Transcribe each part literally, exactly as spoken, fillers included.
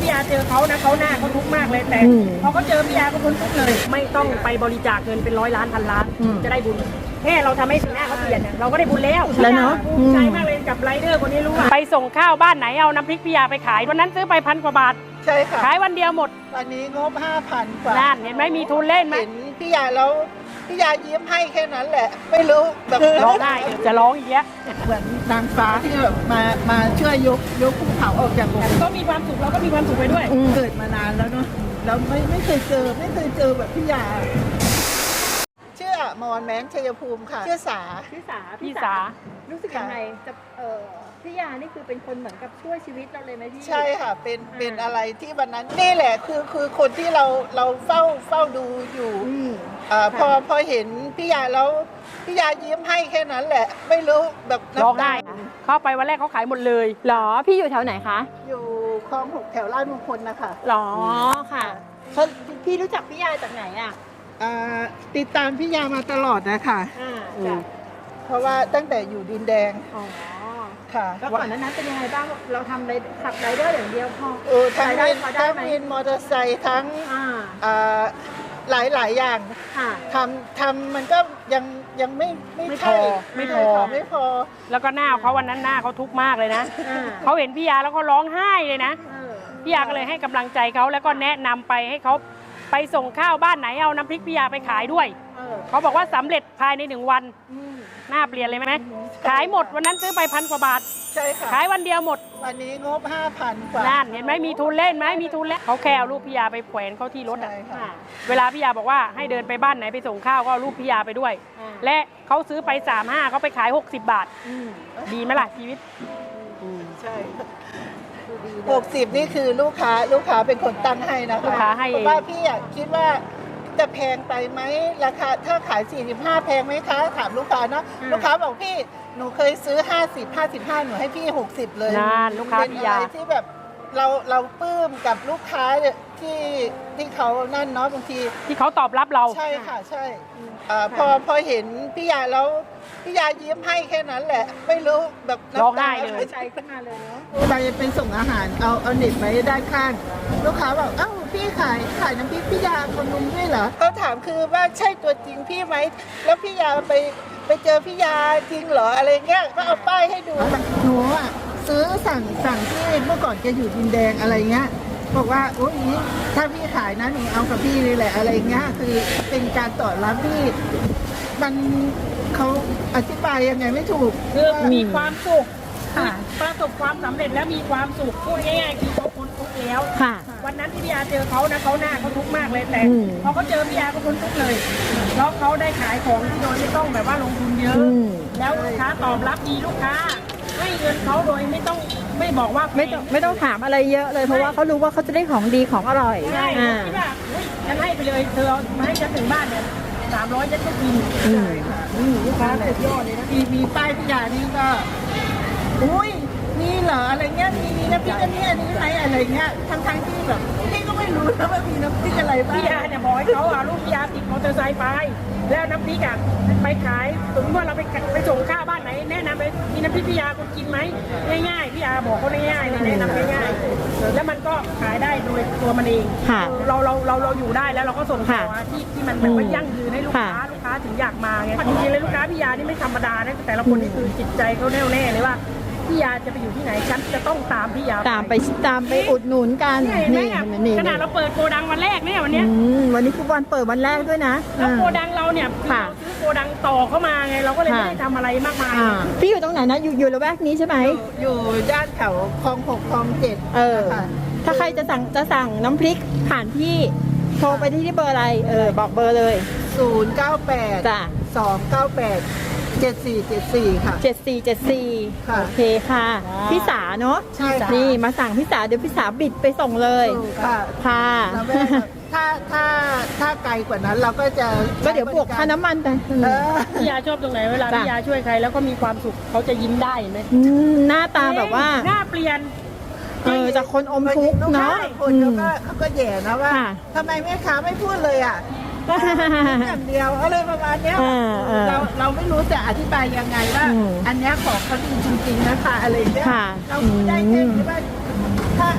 พี่ยาเจอเขานะเขาหน้าเขาทุกข์มากเลยแต่พอเขาเจอพี่ยาก็พ้นทุกข์เลยไม่ต้องไปบริจาคเงินเป็นร้อยล้านพันล้านจะได้บุญแค่เราทำให้สีหน้าเขาเปลี่ยนเราก็ได้บุญแล้วแล้วเนาะภูมิใจมากเลยกับไรเดอร์คนนี้รู้ว่าไปส่งข้าวบ้านไหนเอาน้ำพริกพี่ยาไปขายวันนั้นซื้อไปพันกว่าบาทใช่ค่ะขายวันเดียวหมดวันนี้งบห้าพันกว่านั่นเห็นไหมมีทุนเล่นไหมเห็นพี่ยาแล้วพี่ยายิ้มให้แค่นั้นแหละไม่รู้แบบร้องได้จะร้องอีกแล้วเหมือนนางฟ้าที่แบบมามาช่วยยกยกภูเขาออกจากหลุมก็มีความสุขเราก็มีความสุขไปด้วยเกิดมานานแล้วเนาะแล้วไม่ไม่เคยเจอไม่เคยเจอแบบพี่ยาชื่ออมรแม้นชัยภูมิค่ะชื่อสาพี่สาพี่สารู้สึกยังไงจะเออพี่ยานี่คือเป็นคนเหมือนกับช่วยชีวิตเราเลยไหมพี่ใช่ค่ะเป็นเป็นอะไรที่วันนั้นนี่แหละคือคือคนที่เราเราเฝ้าเฝ้าดูอยู่อ่าพอพอเห็นพี่ยาแล้วพี่ยายิ้มให้แค่นั้นแหละไม่รู้แบบร้องได้เข้าไปวันแรกเขาขายหมดเลยหรอพี่อยู่แถวไหนคะอยู่คลองหกแถวลาดมงคลนะคะหรอค่ะพี่รู้จักพี่ยาจากไหนอ่ะติดตามพี่ยามาตลอดนะคะเพราะว่าตั้งแต่อยู่ดินแดงอ๋อค่ะแล้วก่อนนั้นเป็นยังไงบ้างเราทำไรขับไรเดอร์อย่างเดียวพอเออทั้งวินทั้งวินมอเตอร์ไซค์ทั้งหลายหลายอย่างทำทำมันก็ยังยังไม่ไม่พอไม่พอไม่พอแล้วก็หน้าเขาวันนั้นหน้าเขาทุกข์มากเลยนะเขาเห็นพี่ยาแล้วเขาร้องไห้เลยนะพี่ยาก็เลยให้กำลังใจเขาแล้วก็แนะนำไปให้เขาไปส่งข้าวบ้านไหนเอาน้ำพริกพี่ยาไปขายด้วยเขาบอกว่าสำเร็จภายในหนึ่งวันหน้าเปลี่ยนเลยไหมขายหมดวันนั้นซื้อไปพันกว่าบาทใช่ค่ะขายวันเดียวหมดวันนี้งบห้าพันกว่านั่นเห็นไหมมีทุนเล่นไหมมีทุนแล้วเขาแค่เอารูปพี่ยาไปแขวนเขาที่รถอ่ะเวลาพี่ยาบอกว่าให้เดินไปบ้านไหนไปส่งข้าวก็เอารูปพี่ยาไปด้วยและเขาซื้อไปสามห้าเขาไปขายหกสิบบาทดีไหมล่ะชีวิตใช่หกสิบนี่คือลูกค้าลูกค้าเป็นคนตั้งให้นะคะลูกค้าให้เองเพราะว่าพี่คิดว่าจะแพงไปไหมราคาถ้าขายสี่สิบห้าแพงไหมคะถามลูกค้าเนาะลูกค้าบอกพี่หนูเคยซื้อห้าสิบ ห้าสิบห้าหนูให้พี่หกสิบเลยนั่นลูกค้าพี่ยาที่แบบเราเราปลื้มกับลูกค้าที่ที่เขานั่นเนาะบางทีที่เขาตอบรับเราใช่ค่ะใช่พอพอเห็นพี่ยาแล้วพี่ยายิ้มให้แค่นั้นแหละไม่รู้แบบร้องไห้เลยใจขึ้นมาเลยเนาะไปไปส่งอาหารเอาเอาเน็ตไว้ด้านข้างลูกค้าบอกเอ้าพี่ขายขายน้ำพริกพี่ยาคนนุ้มด้วยเหรอเขาถามคือว่าใช่ตัวจริงพี่ไหมแล้วพี่ยาไปไปเจอพี่ยาจริงเหรออะไรเงี้ยก็เอาป้ายให้ดูหนูอ่ะซื้อสั่งสั่งที่เมื่อก่อนแกอยู่ดินแดงอะไรเงี้ยบอกว่าโอ้ยถ้าพี่ขายนะหนูเอากับพี่เลยแหละอะไรเงี้ยคือเป็นการตอบรับที่มันเขาอธิบายยังไงไม่ถูกคือมีความสุขประสบความสำเร็จแล้วมีความสุขพูดง่ายๆคือเขาพ้นทุกข์แล้ววันนั้นที่พี่ยาเจอเขานะเขาหน้าเขาทุกข์มากเลยแต่พอเขาเจอพี่ยาก็พ้นทุกข์เลยแล้วเขาได้ขายของที่โดยไม่ต้องแบบว่าลงทุนเยอะแล้วลูกค้าตอบรับดีลูกค้าให้เงินเขาโดยไม่ต้องไม่บอกว่าไม่ต้องไม่ต้องถามอะไรเยอะเลยเพราะว่าเขารู้ว่าเขาจะได้ของดีของอร่อยใช่ที่แบบฉันให้ไปเลยเธอมาให้ฉันถึงบ้านเนี่ยสามร้อยฉันก็กินใช่ค่ะลูกค้าสุดยอดเลยนะมีมีป้ายพี่ยานี่ก็อุ้ยนี่เหรออะไรเงี้ยมีมีน้ำพริกอันนี้อันนี้ไหมอะไรเงี้ยทั้งทั้งที่แบบพี่ก็ไม่รู้นะว่ามีน้ำพริกอะไรบ้างพี่ยาเนี่ยบอกให้เขาเอาลูกพี่ยาติดมอเตอร์ไซค์ไปแล้วน้ำพริกอ่ะไปขายสมมติว่าเราไปไปส่งข้าวบ้านไหนแนะนำไปมีน้ำพริกพี่ยาคุณกินไหมง่ายๆพี่ยาบอกเขาง่ายๆเลยแนะนำง่ายๆแล้วมันก็ขายได้โดยตัวมันเองเราเราเราเราอยู่ได้แล้วเราก็ส่งต่อที่ที่มันแบบว่ายั่งยืนให้ลูกค้าลูกค้าถึงอยากมาไงจริงๆเลยลูกค้าพี่ยานี่ไม่ธรรมดานะแต่ละคนนี่คือจิตใจเขาแน่วแน่เลยว่าพี่ยาจะไปอยู่ที่ไหนฉันจะต้องตามพี่ยาตามไปตามไปอุดหนุนกันนี่ขนาดเราเปิดโกดังวันแรกเนี่ยวันนี้วันนี้คือวันเปิดวันแรกด้วยนะแล้วโกดังเราเนี่ยเราซื้อโกดังต่อเข้ามาไงเราก็เลยไม่ได้ทำอะไรมากมายพี่อยู่ตรงไหนนะอยู่อยู่ละแวกนี้ใช่ไหมอยู่ย่านแถวคลองหกคลองเจ็ดเออถ้าใครจะสั่งจะสั่งน้ำพริกผ่านพี่โทรไปที่เบอร์อะไรเออบอกเบอร์เลยศูนย์เก้าแปดจ้ะสองเก้าแปดเจ็ดสี่เจ็ดสี่ค่ะเจ็ดสี่เจ็ดสี่โอเคค่ะพี่สาเนาะใช่นี่มาสั่งพี่สาเดี๋ยวพี่สาบิดไปส่งเลยค่ะค่ะถ้าถ้าถ้าไกลกว่านั้นเราก็จะก็เดี๋ยวบวกค่าน้ำมันไปพี่ยาชอบตรงไหนเวลาพี่ยาช่วยใครแล้วก็มีความสุขเขาจะยิ้มได้ไหมหน้าตาแบบว่าหน้าเปลี่ยนเออจากคนอมทุกข์เนาะคนเขาก็เขาก็แย่นะว่าทำไมแม่ค้าไม่พูดเลยอ่ะอย่างเดียวอะไรประมาณนี้เราเราไม่รู้จะอธิบายยังไงว่าอันนี้ของเขาดีจริงๆนะคะอะไรเงี้ยเราได้แค่ว่าถ้าถ้า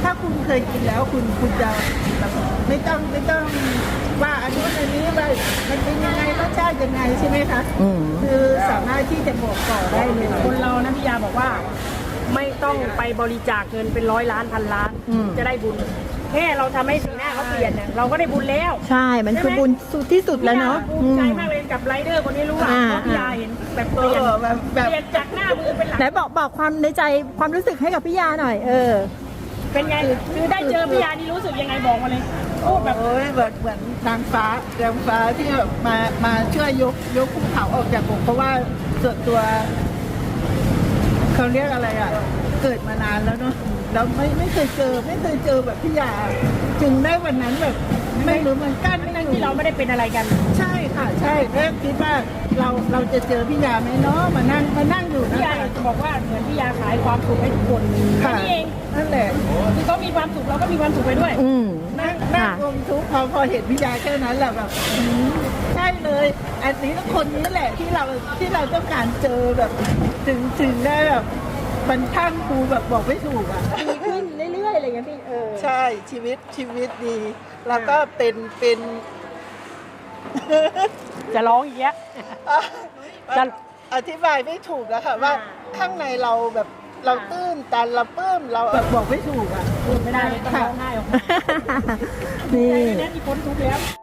ถ้าคุณเคยกินแล้วคุณคุณจะแบบไม่ต้องไม่ต้องว่าอันนู้นอันนี้ว่ามันเป็นยังไงรสชาติยังไงใช่ไหมคะอืมคือสามารถที่จะบอกต่อได้เลยคนเรานะพี่ยาบอกว่า ไม่ต้องไปบริจาคเงินเป็นร้อยล้านพันล้านอืมจะได้บุญแค่เราทำให้สีหน้าเขาเปลี่ยนเนี่ยเราก็ได้บุญแล้วใช่ มันคือบุญสุดที่สุดแล้วเนาะภูมิใจมากเลยกับไรเดอร์คนนี้รู้ว่าอ่าเพราะพี่ยาเห็นแบบเปเอลี่ยนอแบบแบบเปลี่ยนจากหน้ามือเป็นหลังไหนบอกบอกความในใจความรู้สึกให้กับพี่ยาหน่อย เออเป็นไงคือได้เจอพี่ยานี่รู้สึกยังไงบอกมาเลยโอ้แบบโอ้ยแบบเหมือนนางฟ้านางฟ้าที่แบบมามาช่วยยกยกภูเขาออกจากอกเพราะว่าส่วนตัวเขาเรียกอะไรอ่ะ เกิดมานานแล้วเนาะแล้วไม่ไม่เคยเจอไม่เคยเจอแบบพี่ยาจึงได้วันนั้นแบบไม่รู้เหมือนกันไม่ทั้งรู้ที่เราไม่ได้เป็นอะไรกันใช่ค่ะใช่แม่คิดว่าเราเราจะเจอพี่ยาไหมเนาะมานั่งมานั่งอยู่พี่นะยาคะจะบอกว่าเหมือนพี่ยาขายความสุขให้ทุกคนแค่ค่ะนี้เองนั่นแหละคือเขามีความสุขเราก็มีความสุขไปด้วยอืมนั่งนั่งค่ะรวมทุกข์พอพอเห็นพี่ยาแค่นั้นแหละแบบอืมใช่เลย อันนี้คนนี้แหละที่เราที่เราต้องการเจอแบบถึงถึงได้แบบมันท่านครูแบบบอกไม่ถูกอ่ะดีขึ้นเรื่อยๆอะไรอย่างเงี้ยพี่เออใช่ชีวิตชีวิตดี แล้วก็เป็นเป็นจะร้องอีกแล้ว จะอธิบายไม่ถูกอะค่ะว่าอ่าข้างในเราแบบเราตื้นตันเราปลื้มเราแบบบอกไม่ถูกอะพูดไม่ได้เลยต้องร้องไห้ออกมานี่ใจเลยนะที่พ้นทุกข์แล้ว